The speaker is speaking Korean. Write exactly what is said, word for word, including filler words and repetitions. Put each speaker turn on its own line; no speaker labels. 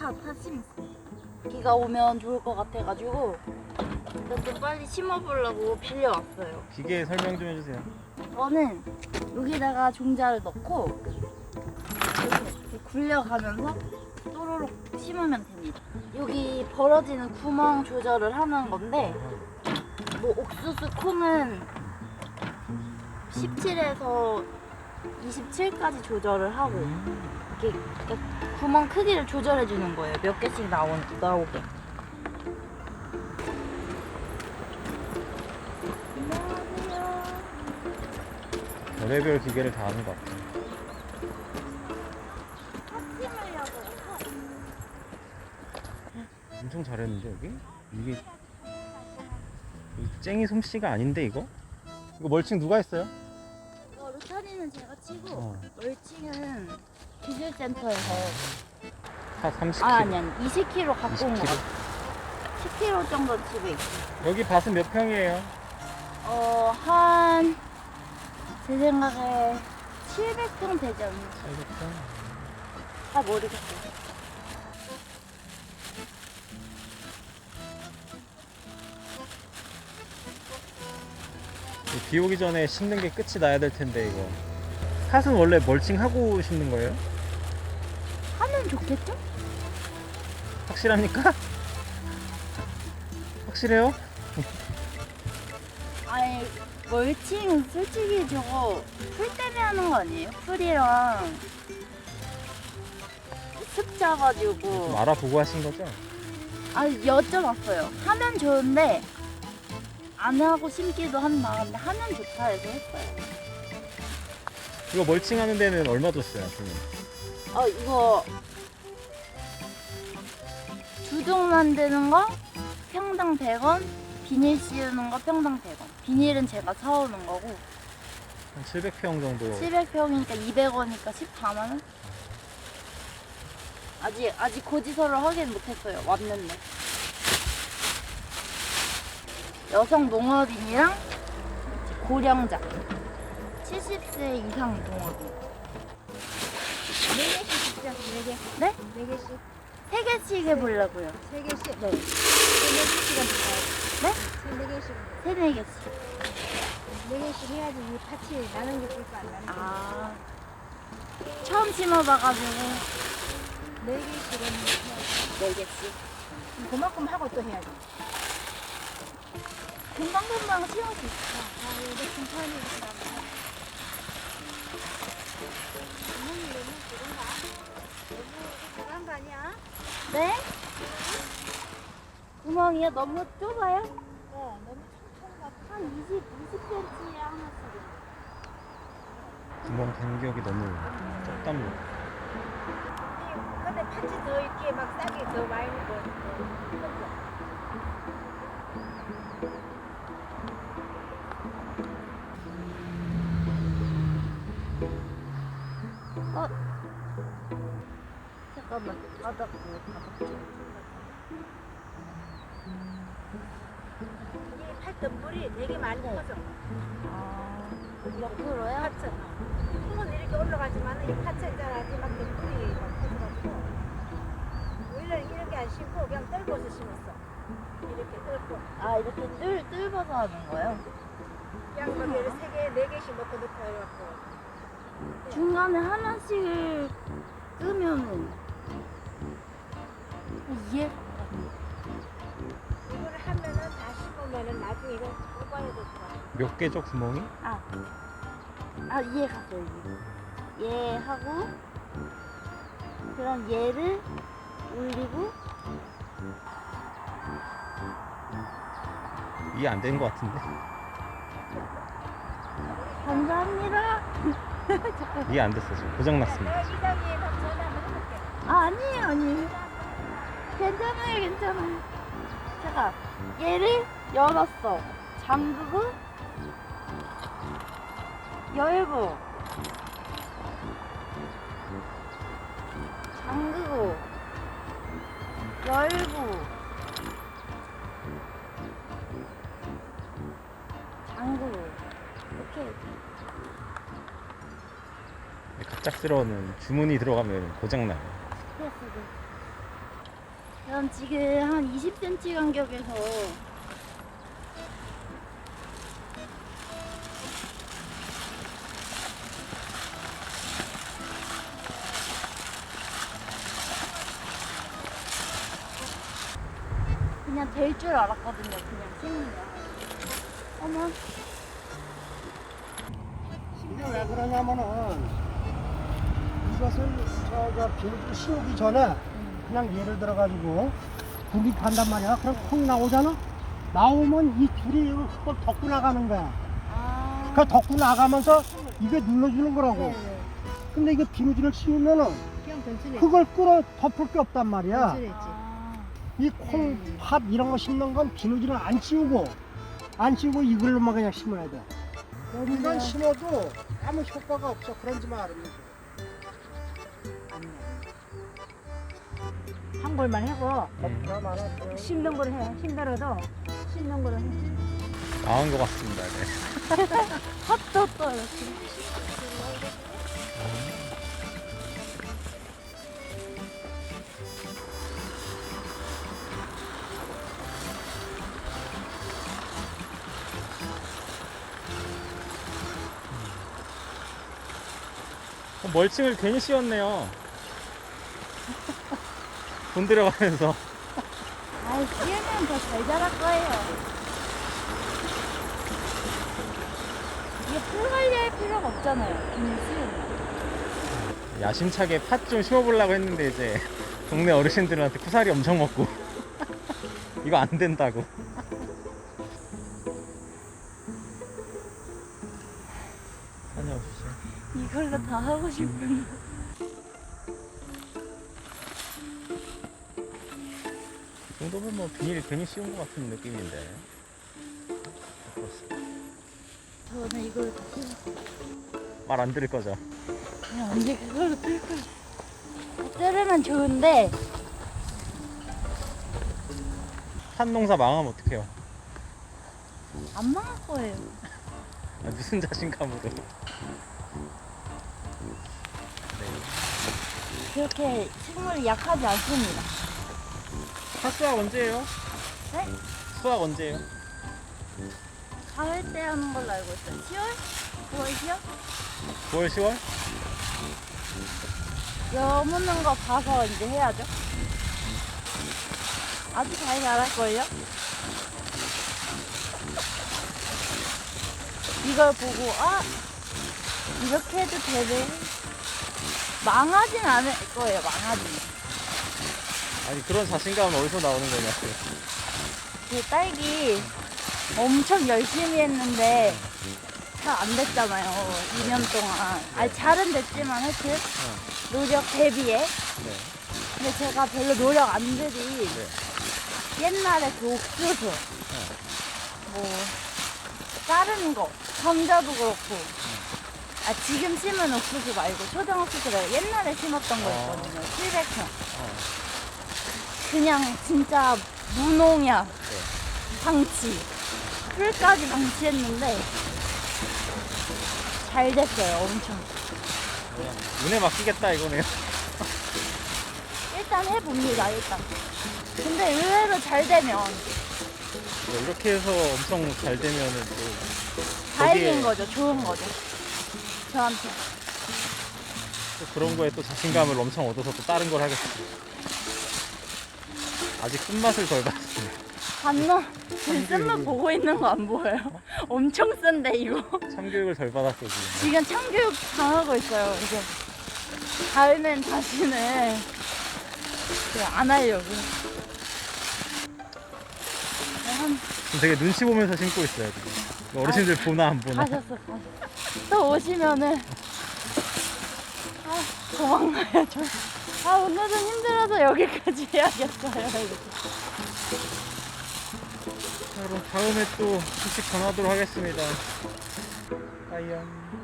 다, 다 심었어. 비가 오면 좋을 것 같아가지고 일단 좀 빨리 심어보려고 빌려왔어요.
기계 설명 좀 해주세요.
저는 여기다가 종자를 넣고 이렇게 굴려가면서 또로록 심으면 됩니다. 여기 벌어지는 구멍 조절을 하는 건데 뭐 옥수수 콩은 십칠에서 이십칠까지 조절을 하고 이렇게 구멍 크기를 조절해 주는 거예요. 몇 개씩 나오, 나오게. 안녕하세요.
별의별 기계를 다 하는 것 같아요.
팥 심으려고 해서
엄청 잘했는데 여기? 이게 이 쨍이 솜씨가 아닌데 이거? 이거 멀칭 누가 했어요?
이거 루타리는 제가 치고
어.
멀칭은 기술센터에서
한 삼십 킬로그램.
아 아니 아니 이십 킬로그램 갖고 온 거
이십 킬로그램.
같아. 십 킬로그램 정도 집에 있어.
여기 밭은 몇 평이에요?
어한 제 생각에 칠백 평 되지 않나?
칠백 평.
잘 모르겠어요.
비 오기 전에 심는 게 끝이 나야 될 텐데 이거. 팥은 원래 멀칭하고 심는 거예요?
하면 좋겠죠?
확실합니까? 확실해요?
아니 멀칭 솔직히 저거 풀 때문에 하는 거 아니에요? 풀이랑 습 져가지고
좀 알아보고 하신 거죠?
아 여쭤봤어요. 하면 좋은데 안 하고 심기도 한다. 근데 하면 좋다 해서 했어요.
이거 멀칭하는 데는 얼마 줬어요? 그러면?
어 이거 주둥 만드는 거 평당 백 원, 비닐 씌우는 거 평당 백 원. 비닐은 제가 사오는 거고
한 칠백 평 정도.
칠백 평이니까 이백 원이니까 십사만 원? 아직 아직 고지서를 확인 못했어요. 왔는데 여성 농업인이랑 고령자 칠십 세 이상 농업인.
네 개씩 진짜 네 개.
네?
네 개씩.
세 개씩 해보려고요.
세 개씩.
네.
네 개씩은
네?
네 개씩.
세네 개씩.
네 개씩 해야지 이 팥이 나는 게 있고 안 나는 게.
아 처음 심어봐가지고
네 개씩은 해야지.
네 개씩.
그만큼 하고 또 해야지.
금방 금방 심을 수 있어.
아, 이거 중판이구나. 구멍이 너무 작은가? 너무 작은 거 아니야?
네? 구멍이요? 너무 좁아요?
네, 너무 촘촘한 것 같아.
한 이십, 이십 센티미터에 하나씩.
구멍 간격이 너무 적답니다.
근데 팥이 더 이렇게 막 싹이 더 많이 고
어? 잠깐만. 바닥 뭐 바닥 좀.
이게 팥 덤불이 되게 많이 커져.
아, 옆으로요?
팥은 콩은 이렇게 올라가지만 이 팥은 있잖아 막 덤불이 막 커져가지고 우리는 이렇게 안 심고 그냥 떨궈서 심었어. 이렇게 떨고
아, 이렇게 뚫, 뚫어서 하는 거예요?
그냥 거기를 세 개, 네 개씩 넣고 넣고 해갖고
중간에 하나씩 끄면은 이해?
이거를 하면은 다 심으면은 나중에 이거 뽑아야 될 거야.
몇 개죠 구멍이?
아, 아 이해 갔어요. 이해. 얘 하고 그럼 얘를 올리고
이해 안 된 것 같은데?
감사합니다.
이해 안 됐어 지금 고장났습니다.
내가 이장이에 다 전화 한번 해볼게.
아 아니에요 아니에요. 괜찮아요 괜찮아요. 제가 얘를 열었어. 잠그고 열고 잠그고 열고 잠그고 이렇게
갑작스러운 주문이 들어가면 고장나요.
스트레스도 난 지금 한 이십 센티미터 간격에서 그냥 될 줄 알았거든요. 그냥 생으면. 어머.
이게 왜 그러냐면은 이것을 저저 비닐도 씌우기 전에 그냥 예를 들어 가지고 불이 간단 말이야. 그럼 콩이 나오잖아. 나오면 이 줄이 그걸 덮고 나가는 거야.
아.
그 덮고 나가면서 이게 눌러주는 거라고.
네네.
근데 이게 비닐을 씌우면은
그냥 전출했지.
그걸 끌어 덮을 게 없단 말이야.
전출했지.
아.
이 콩, 팥 이런 거 심는 건 비닐을 안 씌우고 안 씌우고 이걸로만 그냥 심어야 돼. 이건 심어도 아무 효과가 없어. 그런지 말입니다.
한 골만 하고
덮나 말아.
심는 거를 해. 힘들어도 심는 거를 해.
망한 것 같습니다. 네.
핫도 또 이렇게.
어, 멀칭을 괜히 씌웠네요. 돈 들어가면서.
아이, 씌우면 더 잘 자랄 거예요. 이게 풀 관리할 필요가 없잖아요. 비닐 씌우면.
야심차게 팥 좀 심어보려고 했는데 이제 동네 어르신들한테 쿠사리 엄청 먹고 이거 안 된다고. 다녀오시죠.
이걸로 다 하고 싶은데.
이 정도면 뭐 비닐 괜히 씌운 것 같은 느낌인데.
저는 이걸
말 안 들을 거죠?
그냥 언제 그걸로 뜰 거예요. 자르면 좋은데
팥 농사 망하면 어떡해요?
안 망할 거예요.
아, 무슨 자신감으로.
그렇게 식물이 약하지 않습니다.
팥 수확 언제예요?
네?
수확 언제예요?
가을 때 하는 걸로 알고 있어요. 시월? 구월, 시월?
구월, 시월?
여무는 거 봐서 이제 해야죠. 아주 잘 자랄걸요? 이걸 보고, 아! 이렇게 해도 되네. 망하진 않을 거예요, 망하진.
아니 그런 자신감은 어디서 나오는 거냐고.
그 딸기 엄청 열심히 했는데 잘 안 됐잖아요. 이 년 동안. 아니, 잘은 됐지만 하여튼 노력 대비에.
네.
근데 제가 별로 노력 안 들이
네.
옛날에 그 옥수수, 뭐, 다른 거, 감자도 그렇고, 아, 지금 심은 옥수수 말고 초등 옥수수를 옛날에 심었던 거 있거든요. 칠백 평.
어.
그냥 진짜 무농약, 방치, 풀까지 방치했는데 잘 됐어요, 엄청.
그냥 운에 맡기겠다 이거네요.
일단 해봅니다, 일단. 근데 의외로 잘 되면
뭐 이렇게 해서 엄청 잘 되면은 또
다행인
거기에-
거죠, 좋은 거죠. 저한테.
또 그런 거에 또 자신감을 엄청 얻어서 또 다른 걸 하겠어요. 아직 끝맛을 덜 봤습니다.
봤나? 지금 쓴맛 보고 있는 거 안 보여요? 엄청 쓴데, 이거.
참교육을 덜 받았어 지금.
지금 참교육 당하고 있어요, 이제. 다음엔 다시는 그냥 안 하려고. 한,
지금 되게 눈치 보면서 신고 있어요 지금. 어르신들 보나 안 보나.
가셨어, 가셨어. 또 오시면은, 아, 도망가야죠. 아, 오늘은 힘들어서 여기까지 해야겠어요, 이렇게.
자, 그럼 다음에 또 소식 전하도록 하겠습니다. 빠이염.